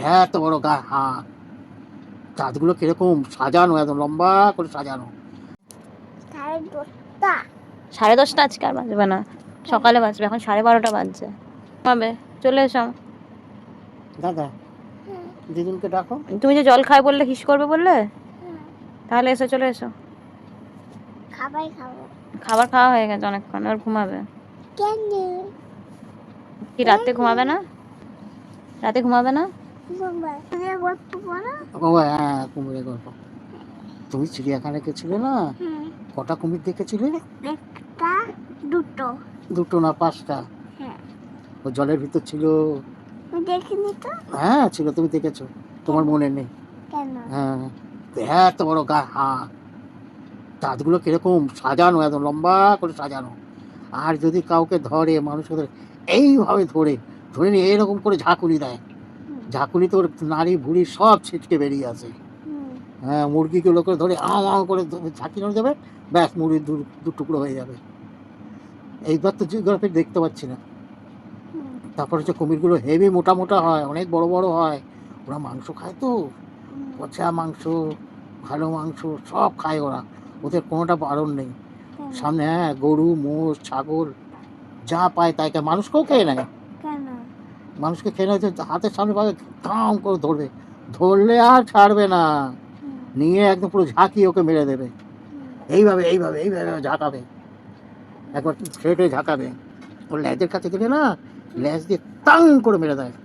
এত বড় গা হাত, দাঁতগুলো কিরকম সাজানো, একদম লম্বা করে সাজানো। 10:30। 10:30 আজকে আর বাজবে না, সকালে বাজবে, এখন 12:30 বাজছে। হবে, চলে এসো। দাদা দিদুনকে ডাকো। তুমি যে জল খাই বললে, হিস করবে বললে, তাহলে এসো, চলে এসো। খাবাই খাবো। খাবার খাওয়া হয়ে গেছে অনেকক্ষণ, আর ঘুমাবে। কেন? কি রাতে ঘুমাবে না? রাতে ঘুমাবে না? তুমি গল্প বলো। ও হ্যাঁ, কুমিরের গল্প। তুমি চিড়িয়াখানায় গেছিলে না, কটা কুমির দেখেছিলে? একটা, দুটো। দুটো না 5টা? হ্যাঁ। ও জলের ভিতর ছিল। আমি দেখিনি তো। হ্যাঁ ছিল, তুমি দেখেছো, তোমার মনে নেই। কেন? হ্যাঁ, এত বড় গা হাত, দাঁতগুলো কিরকম সাজানো, একদম লম্বা করে সাজানো। আর যদি কাউকে ধরে, মানুষকে ধরে, এইভাবে ধরে ধরে নিয়ে এরকম করে ঝাঁকুনি দেয়, ঝাঁকুনি তোর নাড়ি ভুড়ি সব ছিটকে বেরিয়ে আসে। হ্যাঁ, মুরগিগুলো করে ধরে আও করে ঝাঁকি ধরে দেবে, ব্যাস মুরগির দু টুকরো হয়ে যাবে। এইবার তো জিওগ্রাফি দেখতে পাচ্ছি না। তারপর হচ্ছে কুমিরগুলো হেভি মোটা মোটা হয়, অনেক বড় বড় হয়। ওরা মাংস খায় তো, পচা মাংস, ভালো মাংস সব খায় ওরা, ওদের কোনোটা বারণ নেই। সামনে হ্যাঁ, গরু মোষ ছাগল যা পায় তাই খায়, মানুষকেও খেয়ে নেয়। কেন? মানুষকে খেয়ে নেয়, হাতের সামনে পাবে ধাম করে ধরবে, ধরলে আর ছাড়বে না, নিয়ে একদম পুরো ঝাঁকিয়ে ওকে মেরে দেবে। এইভাবে এইভাবে এইভাবে ঝাঁকাবে, একবার ছেড়ে ঝাঁকাবে। ওর ল্যাজের কাছে গেলে না, ল্যাজ দিয়ে টাং করে মেরে দেয়।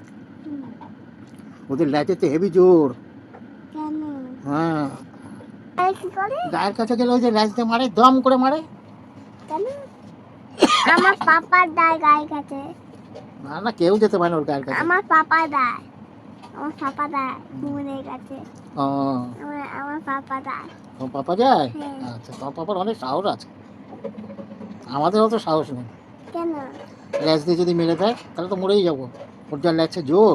ওদের ল্যাজেতে হেভি জোর। কেন? হ্যাঁ, কি করে? গায়ের কাছে গেলে ওই যে ল্যাজ দিয়ে মারে, দম করে মারে। কেন? আমার পাপা দায় গায়ের কাছে। না না, কেউ যেতে পারে না ওর গায়ের কাছে। আমার পাপা দায়। আমার পাপা দায় মুনের কাছে। ও, আমার পাপা দায়। তোমার পাপা যায়? হ্যাঁ। আচ্ছা, তোমার পাপার অনেক সাহস আছে, আমাদের অত সাহস নেই। কেন? ল্যাজ দিয়ে যদি মেরে দেয় তাহলে তো মরেই যাবো। ওর যা ল্যাজে জোর,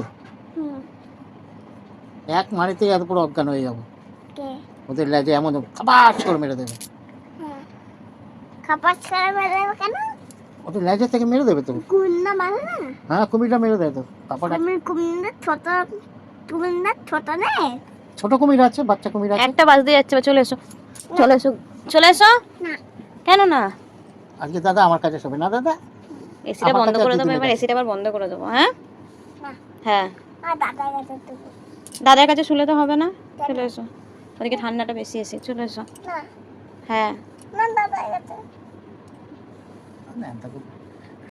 এক মারিতে এত পুরো অজ্ঞান হয়ে যাবো। কে? ওদের ল্যাজে এমন খাবাস করে মেরে দেবে। খাপাস করে মেরে দেবে কেন? ওদের ল্যাজের থেকে মেরে দেবে তো। কুমির মারে না? হ্যাঁ, কুমিরটা মেরে দেয় তো। পাপাটা কুমির ছোট নেই? ছোট কুমির আছে, বাচ্চা কুমির আছে। একটা বাজতে যাচ্ছে, চলে এসো, চলে এসো, চলে এসো। না। কেন না? আজকে দাদা আমার কাছে শোবে না। দাদা এসিটা বন্ধ করে দেবো এবার, এসিটা আবার বন্ধ করে দেবো। হ্যাঁ হ্যাঁ, দাদার কাছে দেবো। দাদার কাছে শুলে তো হবে না, চলে এসো, ওদিকে ঠান্ডাটা বেশি এসে, চলে এসো। না হ্যাঁ, না দাদার কাছে। না,